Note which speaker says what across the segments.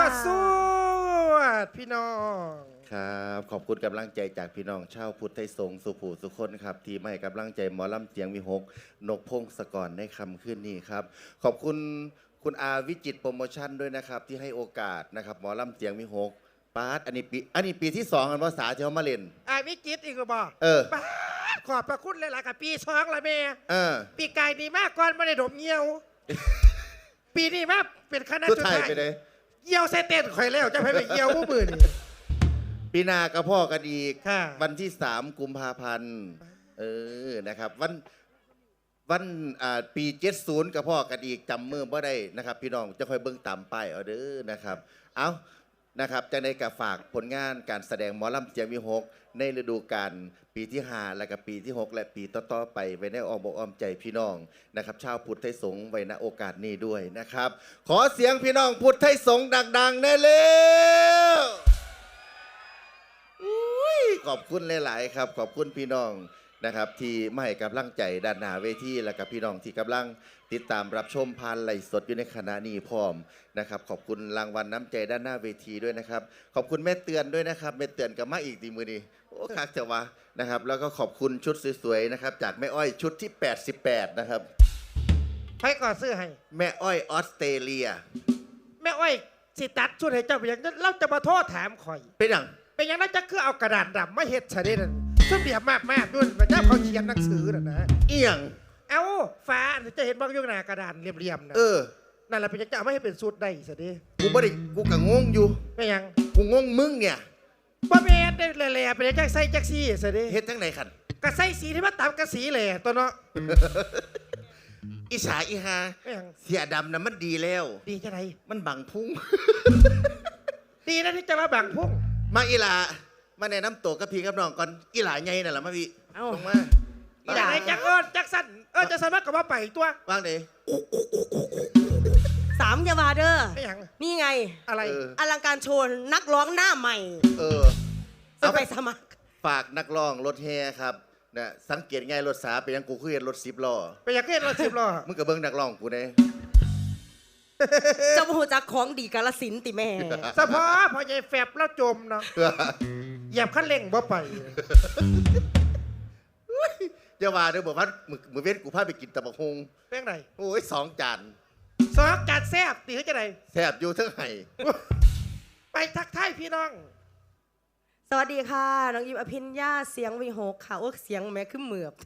Speaker 1: สวดพี่น้อง
Speaker 2: ครับขอบคุณกำลังใจจากพี่น้องชาวพุทธไทยสงฆ์สุภูสุคนครับที่มาให้กำลังใจหมอลำเจียงวิหกนกพงศกรในคำขึ้นนี้ครับขอบคุณคุณอาวิจิตรโปรโมชั่นด้วยนะครับที่ให้โอกาสนะครับหมอลำเจียงวิหกปาร์ตอันนี้ปีที่2กันภาษาที่เขามาเล่น
Speaker 1: วิจิตรอีกบ่ปาดขอบพระคุณหลายๆกับปี2ละแม่ปีกายดีมากก่อนไม่ได้ดมเงี้ยวปีนี้มาเป็นคณะจุดท้ายเยี่ยวเซเต้นข่อยแล้วจะไปเยี่ยวผู้มือนี่
Speaker 2: ปีหน้าก็พ่อกันอีกวันที่3 กุมภาพันธ์นะครับวันปี70กับพ่อกันอีกจำมือบ่ได้นะครับพี่น้องจะคอยเบิ่งตามป้ายเอาเด้อนะครับเอานะครับจะในกับฝากผลงานการแสดงหมอลำเจียงวิหกในฤดูกาลปีที่5และกับปีที่6และปีต่อๆไปไว้ในอ้อมอกอ้อมใจพี่น้องนะครับชาวพุทธไทยสงฆ์ไว้ณโอกาสนี้ด้วยนะครับขอเสียงพี่น้องพุทธไทยสงฆ์ดังๆแน่เร็วขอบคุณหลายๆครับขอบคุณพี่น้องนะครับที่มาให้กำลังใจด้านหน้าเวทีและกับพี่น้องที่กำลังติดตามรับชมผ่านไลฟ์สดอยู่ในขณะนี้พร้อมนะครับขอบคุณรางวัลน้ำใจด้านหน้าเวทีด้วยนะครับขอบคุณแม่เตือนด้วยนะครับแม่เตือนกับมาอีกทีมือนี้โอ้คักเถอะวะนะครับแล้วก็ขอบคุณชุดสวยๆนะครับจากแม่อ้อยชุดที่88นะครับ
Speaker 1: ใครก่อซื้อให้
Speaker 2: แม่อ้อยออสเตรเลีย
Speaker 1: แม่อ้อยสิตัดชุดให้เจ้าเป็นอย่างนั้นเราจะมาโทษถามข่อย
Speaker 2: เป็นอย่าง
Speaker 1: นั้นจะคือเอากระดาษดำมาเฮ็ดใช่ได้นั่นซึ่งเบียบมากด้วยพระเจ้าเขาเขียนหนังสือนะ
Speaker 2: เอียง
Speaker 1: เอาฟ้าจะเห็นบางยุคหน้ากระดานเรียมๆนะนั่นแหละเป็นจะไม่ให้เป็นสูตรได้สิดิ
Speaker 2: กูไม่ได้กูกังงงอยู่
Speaker 1: ไม่ยัง
Speaker 2: กูงงมึงเนี่ย
Speaker 1: บ่แม่นได้แหล่ๆเป็นจักไส้จักซี่สิดิ
Speaker 2: เฮ็ดทั้งไหนขัน
Speaker 1: กระไส้สีที่มันตามกระสีแหล่ตัวเนาะ
Speaker 2: อีสาอีฮาเสียดำน่ะมันดีแล้ว
Speaker 1: ดีจะไหน
Speaker 2: มันบังพุ่ง
Speaker 1: ดีนะที่จะมาบังพุ่ง
Speaker 2: มาอีหลามาแนะนำตัวกับพี่กับน้องก่อนอีหลาไงน่ะล่ะมาพี่ลงมา
Speaker 1: อีหลาจักจักสั้นจะสามารถกับว่าไปตัว
Speaker 2: วางเลย
Speaker 3: 3ยาวาเดอร์นี่ไง
Speaker 1: อะไร
Speaker 3: อลังการโชว์นักร้องหน้าใหม่จะไปสมัคร
Speaker 2: ฝากนักร้องรถแห่ครับนะสังเกตไงรถสาเป็นยังกูคือเห็นรถ10 ล้อ
Speaker 1: เป็นยังเห็นรถ10 ล้อ
Speaker 2: มึงกับเบิ้งนักร้องกูเนี่ย
Speaker 3: เจ้าหูจักของดีกาลสินติแม่
Speaker 1: เฉพาะพอใหญ่แฝบแล้วจมเนาะเหยียบขั้นเร่งบ่ไป
Speaker 2: จะว่าเดี๋ยวบอกว่ามือเว้นกูพาไปกินตะบักฮง
Speaker 1: เป็นไง
Speaker 2: โอ้ย2 จาน
Speaker 1: แซ่บตีให้จะไหน
Speaker 2: แซ่บอยู่ทั้งไห้
Speaker 1: ไปทักทายพี่น้อง
Speaker 3: สวัสดีค่ะน้องยิมอภิญญาเสียงวิหกค่ะโอ้เสียงแม่ขึ้นเหมือบ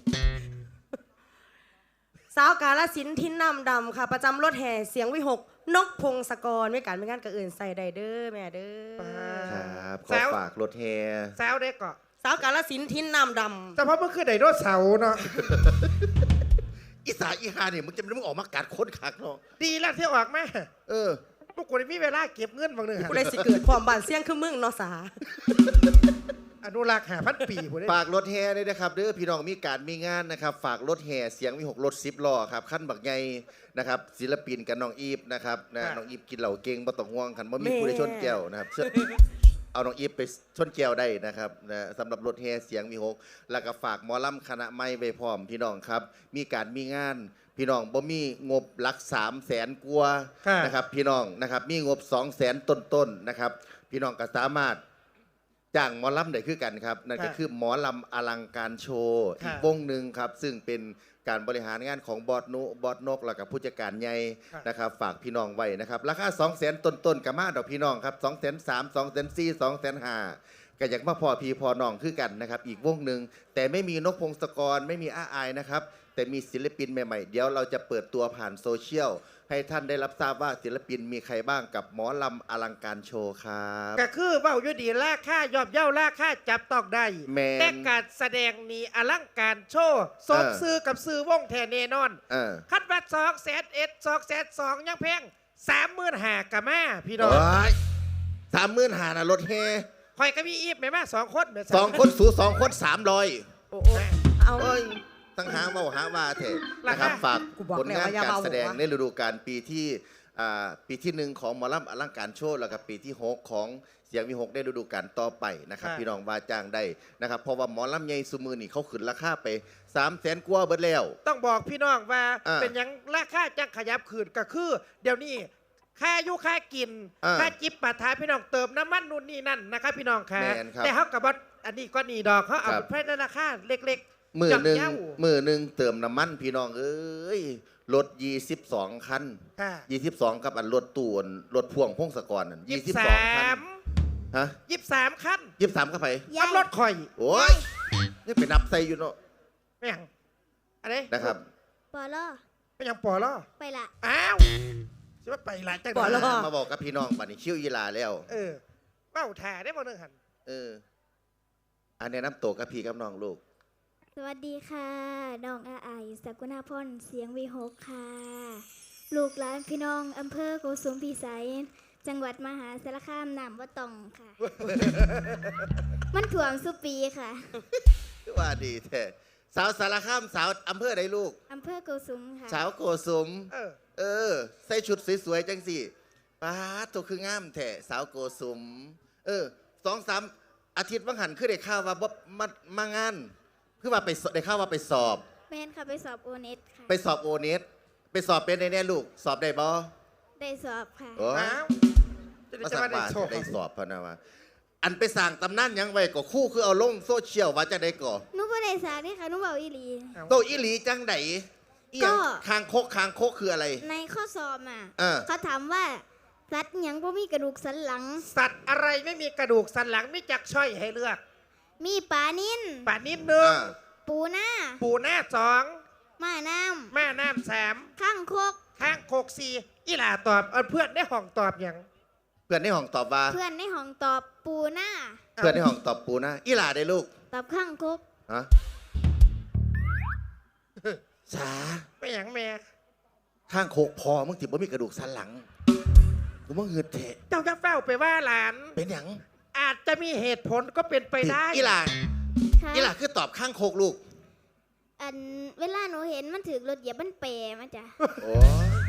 Speaker 3: สาวกาลสินทินน้ำดำค่ะประจำรถแห่เสียงวิหกนกพงศกรไม่การไม่งานกับอื่นใส่ไดเดอร์แม่เด้อ
Speaker 2: ครับขอฝากรถแห่
Speaker 1: แซวเด็กก่อน
Speaker 3: สาวกาลสินทินน้ำดำ
Speaker 1: แต่เพราะเมื่อคืนไดโนเสาร์เนาะ
Speaker 2: อีสาอีฮาเนี่ยมึงจะมึงออกมากัดคนคักเนาะ
Speaker 1: ดีแล้วที่ออกแม่พวกกูมีเวลาเก็บเงินบางหนึ่ง
Speaker 3: กูเลยสิเกิดความบานเสี่ยงคือมึงเนาะสา
Speaker 1: อนุรักษ์5,000 ปี
Speaker 2: ฝากรถแห่ด้วยนะครับเด้อพี่น้องมีการมีงานนะครับฝากรถแห่เสียงวิหกรถ10 ล้อครับขั้นบักใหญ่นะครับศิลปินกับน้องอีฟนะครับน้องอีฟกินเหล้าเก่งบ่ต้องห่วงคันบ่มีผู้ใดชนแก้วนะครับเอาน้องอีฟไปชนแก้วได้นะครับสำหรับรถแห่เสียงวิหกแล้วก็ฝากหมอลำคณะไม้ไว้พร้อมพี่น้องครับมีการมีงานพี่น้องบ่มีงบหลัก300,000 กว่านะครับพี่น้องนะครับมีงบ200,000 ต้นๆนะครับพี่น้องก็สามารถจ้างหมอลำได้คือกันครับนั่นก็คือหมอลำอลังการโชว์อีกวงหนึ่งครับซึ่งเป็นการบริหารงานของบอสนกแล้วกับผู้จัดการใหญ่นะครับฝากพี่น้องไว้นะครับราคา200,000 ต้นๆกับมาดอกพี่น้องครับ203,000 204,000 205,000ก็อยากมาพอพี่พอน้องคือกันนะครับอีกวงหนึ่งแต่ไม่มีนกพงศกรไม่มีอาอายนะครับแต่มีศิลปินใหม่ๆเดี๋ยวเราจะเปิดตัวผ่านโซเชียลให้ท่านได้รับทราบว่าศิลปินมีใครบ้างกับหมอลำอลังการโชว์ครับ
Speaker 1: ก็คือเบ้าอยู่ดีราคายอบเย้าราคาจับต้องได้แต่การแสดงนี้อลังการโชว์สมซื้อกับซื้อวงแทนแน่นอนคัดวัด200,000 202,000ยังแพง35,000กับแม่พี่น้อง
Speaker 2: 35,000นะรถแห่
Speaker 1: คอยก็มีอีฟแม่2 คน
Speaker 2: 2 คนสู2 คน300
Speaker 3: โอ้เอา
Speaker 2: ตั้งหาว่าเถอะนะครับฝากผลงานการแสดงในฤดูกาลปีที่1ของหมอลำอลังการโชว์แล้วก็ปีที่6ของเสียงวิหกได้ฤดูกาลต่อไปนะครับพี่น้องว่าจ้างได้นะครับเพราะว่าหมอลำใหญ่ซุมือนี่เขาขึ้นราคาไป300,000 กว่าเบิดแล้ว
Speaker 1: ต้องบอกพี่น้องว่าเป็นยังราคาจังขยับขึ้นก็คือเดี๋ยวนี้ค่าอยู่ค่ากินค่าจิบปาถาพี่น้องเติมน้ำมันนู่นนี่นั่นนะครับพี่น้องค่ะแต่เขากับว่าอันนี้ก็นี่ดอกเขาเอาไปในราคาเล็กๆ
Speaker 2: มือหนึ่งเติมน้ำมันพี่น้องเอ้ยรถ22 คัน22กับอันรถตูนรถพ่วงพงศกร22 คันฮะ
Speaker 1: 23 คัน
Speaker 2: 23กับไผ
Speaker 1: ขับรถข่อย
Speaker 2: โอ้ยนี่ไปนับใส่อยู่เนาะ
Speaker 1: ไม่ยังอะไร
Speaker 2: นะครับ
Speaker 4: ปอล่อ
Speaker 1: ไม่ยังปอล่อ
Speaker 4: ไปละ
Speaker 1: อ้าวใช่ว่าไปละจัง
Speaker 2: ปอล่อมาบอกกับพี่น้องบัดนี้คิวอีลาแล้ว
Speaker 1: เป้าถ่าได้บ่นึงหัน
Speaker 2: อันนี้น้ำโตกับพี่กับน้องลูก
Speaker 4: สวัสดีค่ะน้องอาไอสกุณาพรเสียงวีหกค่ะลูกหลานพี่น้องอำเภอโกสุมพิสัยจังหวัดมหาสารคามน้ำว่าตองค่ะ มันถ่วงสุปีค่ะ
Speaker 2: ว่าดีแท้สาวสารคามสาวอำเภอใดลูก
Speaker 4: อำเภอโกสุมค่ะ
Speaker 2: สาวโกสุมใส่ชุดสวยๆจังสิป้าตัวคืองามแท้สาวโกสุม2-3 อาทิตย์วังหันคือได้ข่าวว่ามางานคือว่าไปได้ข่าวว่าไปสอบ
Speaker 4: แม่นค่ะไปสอบโอเน็ตค่ะ
Speaker 2: ไปสอบโอเน็ตไปสอบเป็นแน่ๆลูกสอบได้บ่
Speaker 4: ได้สอบค่ะ
Speaker 2: มาสักบาทได้สอบพะนะว่าอันไปสั่งตำนานยังไว้ก็คู่คือเอาลงโซเชียลว่าจะได้ก่อ
Speaker 4: หนูบ่ได้สานี่ค่ะหนูเบาอีหลี
Speaker 2: โตอีหลีจังไดก็คางคกคืออะไร
Speaker 4: ในข้อสอบเขาถามว่าสัตว์ยังบ่มีกระดูกสันหลัง
Speaker 1: สัตว์อะไรไม่มีกระดูกสันหลังมีจักช้อยให้เลือก
Speaker 4: มีปลานิ่น
Speaker 1: 1ปูหน้า2
Speaker 4: ม้าน้
Speaker 1: ำ3
Speaker 4: ข้างคก
Speaker 1: 4อีหล่าตอบเพื่อนในห้องตอบอย่าง
Speaker 2: เพื่อนในห้องตอบว่า
Speaker 4: เพื่อนในห้องตอบปูหน้า
Speaker 2: เพื่อนในห้องตอบปูหน้าอีหล่าได้ลูก
Speaker 4: ตอบข้างคก
Speaker 2: ฮะสา
Speaker 1: ไม่อย่างแม่
Speaker 2: ข้างโคกพอมึงติบ่มีกระดูกสันหลังกูมึงเหือดเถะ
Speaker 1: เจ้าจะเฝ้าไปว่าหลาน
Speaker 2: เป็นอย่าง
Speaker 1: อาจจะมีเหตุผลก็เป็นไปได้
Speaker 2: อีหล่าคือตอบข้างโคกลูก
Speaker 4: อันเวลาหนูเห็นมันถือรถเหยียบมันเปรมาจ้ะ
Speaker 2: โอ้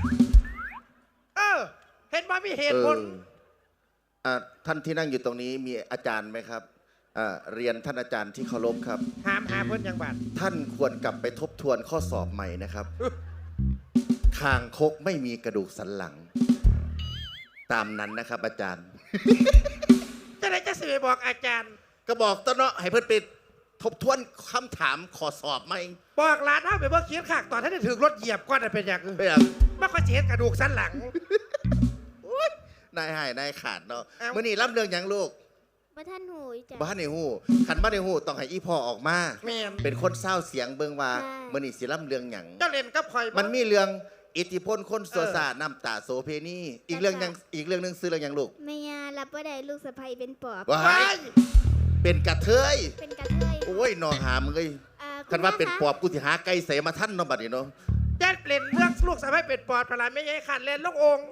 Speaker 1: เห็นว่ามีเหตุผล
Speaker 2: ท่านที่นั่งอยู่ตรงนี้มีอาจารย์ไหมครับเรียนท่านอาจารย์ที่เคารพครับ
Speaker 1: หาเพื่อนยังบัด
Speaker 2: ท่านควรกลับไปทบทวนข้อสอบใหม่นะครับคางคกไม่มีกระดูกสันหลังตามนั้นนะครับอาจารย์
Speaker 1: จะได้จะสื่อบอกอาจารย์
Speaker 2: ก็บอกต้นเนาะให้เพื่อนไปทบทวนคำถามข้อสอบไหม
Speaker 1: บอกร้านเท่าไปเมื่อกี้ขากตอนท่านได้ถึงรถเหยียบก้อนเป็นอย่างไม่ค่อยเห็นกระดูกสันหลัง
Speaker 2: นายหายนายขาดเนาะเมื่อนี้รับเรื่องยังลูก
Speaker 4: บ้านหูจ้ะ
Speaker 2: บ้านในหูขันบ้านในหูต้องให้อีพ่อออกมาเป็นคนเศร้าเสียงเบิ่งว่าเมื่อนี้สิรับเรื่องยัง
Speaker 1: เจ้าเล่นกับคอย
Speaker 2: มันมีเรื่องอิทธิพลคนโซซาน้ำตาโซเพนีอีกเรื่องนึงซื้อเรื่องยังลูก
Speaker 4: แม่ยารับว่าได้ลูกสะใภ้เป็นปอบ
Speaker 2: เป็นกระเทยโอ้ยนองหามึงเลยคันว่าเป็นปอบกูสิหาไก่เสมาท่านน้องบัดนี้เนาะ
Speaker 1: แจ๊ดเล่นเรื่องลูกสะใภ้เป็นปอบพลายไม่ใช่ขันเล่นลูกอง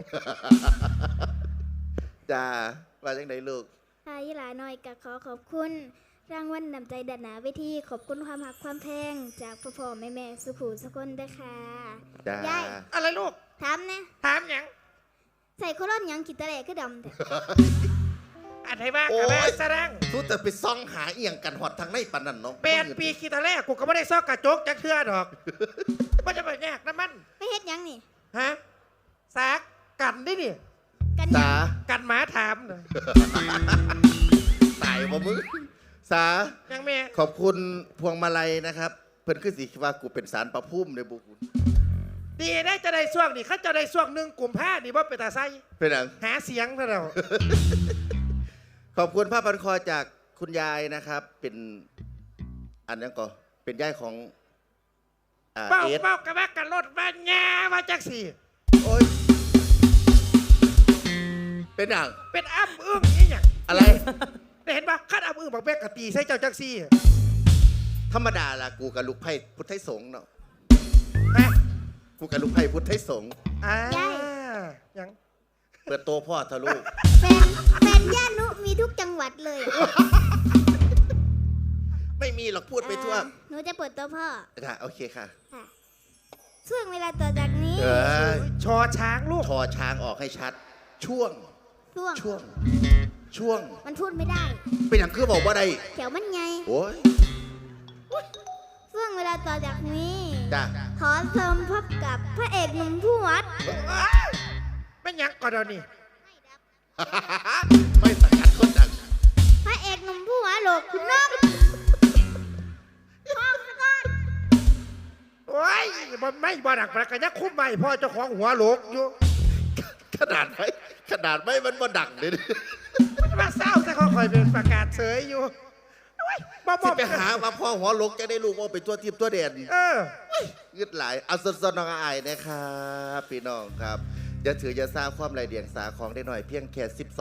Speaker 2: จ้าว่าจังไดลูก
Speaker 4: ค่ะยี่หลาน้อยก็ขอขอบคุณรางวัลนำใจดัดหนาเวทีขอบคุณความหักความแพงจากพ่อแม่สุขูสกุลด้วยค่ะ
Speaker 2: ยาย
Speaker 1: อะไรลูก
Speaker 4: ถามนะ
Speaker 1: ถามยัง
Speaker 4: ใส่โคลอนยังกิตาแหลก็ดำแต่
Speaker 1: อันไหนบ้างกับแม่แสดง
Speaker 2: ทุกแต่ไปซ่องหาเอียงกันหอดทางในปันนั่นเนาะ
Speaker 1: เป็นปีกิตาแหลกูก็ไม่ได้ซ่องกระจกจะเชื่อดอกว่าจะไปแยกน้ำมัน
Speaker 4: ไม่เฮ็ดยังนี่
Speaker 1: ฮะซักกันดินี่กันหมาถามเลย
Speaker 2: ตายบ่มึงสา
Speaker 1: ยังแม่
Speaker 2: ขอบคุณพวงมาลัยนะครับเพิ่นคือสิว่ากูเป็นสารประพุ่มในบุกุล
Speaker 1: ดีได้จะได้ช่วงนี่เขาจะได้ช่วง1 กุมภาพันธ์นี่ว่าเป็นตาไซ
Speaker 2: เป็นอย่าง
Speaker 1: หาเสียงเท่าเรา
Speaker 2: ขอบคุณผ้าพันคอจากคุณยายนะครับเป็นอันนั้นก็เป็นยายของ
Speaker 1: เป้ากระบะกันรถบ้านแง่มาจากสี่
Speaker 2: โอ้ยเป็นอย่าง
Speaker 1: เป็นอ้ำอึ้งนี่อย่าง
Speaker 2: อะไร
Speaker 1: เห็นปะขั้นอ้ำอึ้งบอกแบกกะตีใส่เจ้าจักซี่
Speaker 2: ธรรมดาล่ะกูกับลูกไพ่พุทธไทยสงฆ์เนาะกูกับลูกไพ่พุทธไทยสงฆ์
Speaker 1: ยัง
Speaker 2: เปิดโตพ่อทะลุ
Speaker 4: แฟนย่านุมีทุกจังหวัดเลย
Speaker 2: ไม่มีหรอกพูดไปทั่ว
Speaker 4: หนูจะเปิดโตพ่อ
Speaker 2: ค่ะโอเคค่ะ
Speaker 4: ช่วงเวลาต่อจากนี้
Speaker 1: ชอช้างลูก
Speaker 2: ชอช้างออกให้ชัดช่วง
Speaker 4: มันพูดไม่ได้
Speaker 2: เป็นอย่างคือบอกว่าได้
Speaker 4: แถวมันไง
Speaker 2: โอ้ย
Speaker 4: ช่วงเวลาต่อจากนี้
Speaker 2: จ้ะ
Speaker 4: ขอเชิญพบกับพระเอกหนุ่มผู้วัด
Speaker 1: ไปเป็นหยังก่อนเดี๋ยวนี้
Speaker 2: ไม่สกัดคนดัง
Speaker 4: พระเอกหนุ่มผู้หัวโหลกคุณน้องพ่อสะกอน
Speaker 1: โอ้ยบ่ไม่บ่ดักประกันยังคุ้มใหม่พ่อเจ้าของหัวโหลกอยู่
Speaker 2: ขนาดไม่มันบ่ดังเลย
Speaker 1: มันมาเศร้าแต่เขาคอยเป็นประกาศเสยอยู่โอ้ยบ่
Speaker 2: สิไปหามาพ่อหัวลกจะได้ลูกว่าเป็นตัวทิพย์ตัวเด่น
Speaker 1: เออ
Speaker 2: งึดหลายเอาสดๆน้องอายนะครับพี่น้องครับอย่าถืออย่าสร้างความไรเดียงสาของได้หน่อยเพียงแค่12